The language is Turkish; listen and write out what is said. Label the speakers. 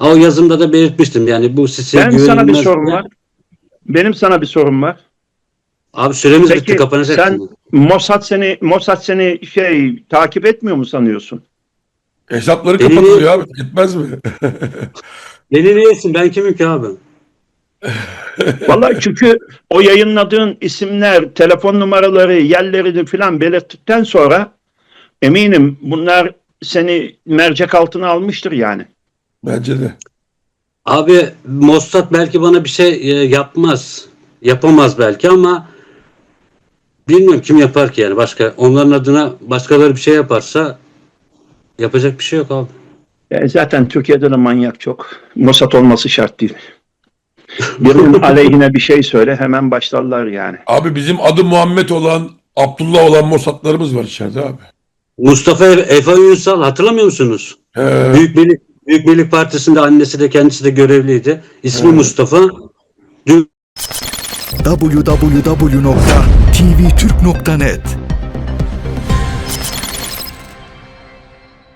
Speaker 1: O yazımda da belirtmiştim. Yani bu site
Speaker 2: Benim sana bir
Speaker 1: güvenilmez.
Speaker 2: sorum var. Benim sana bir sorum var.
Speaker 1: Abi süremiz bitti,
Speaker 2: Peki
Speaker 1: kapanacak
Speaker 2: sen
Speaker 1: şimdi.
Speaker 2: Mossad seni takip etmiyor mu sanıyorsun?
Speaker 3: Hesapları
Speaker 1: Beni
Speaker 3: kapatılıyor
Speaker 1: niye,
Speaker 3: abi. Gitmez mi?
Speaker 1: beni niye yesin? Ben kimim ki abi?
Speaker 2: Vallahi çünkü o yayınladığın isimler, telefon numaraları, yerlerini falan belirttikten sonra eminim bunlar seni mercek altına almıştır yani.
Speaker 3: Bence de.
Speaker 1: Abi Mossad belki bana bir şey yapmaz. Yapamaz belki ama bilmiyorum kim yapar ki yani. Başka onların adına başkaları bir şey yaparsa yapacak bir şey yok abi.
Speaker 2: Zaten Türkiye'de de manyak çok. Mossad olması şart değil. Birinin aleyhine bir şey söyle hemen başlarlar yani.
Speaker 3: Abi bizim adı Muhammed olan, Abdullah olan Mossad'larımız var içeride abi.
Speaker 1: Mustafa Efe Ünsal hatırlamıyor musunuz?
Speaker 3: He.
Speaker 1: Büyük Birlik Partisi'nde annesi de kendisi de görevliydi. İsmi
Speaker 3: Evet.
Speaker 1: Mustafa.
Speaker 4: www.tvturk.net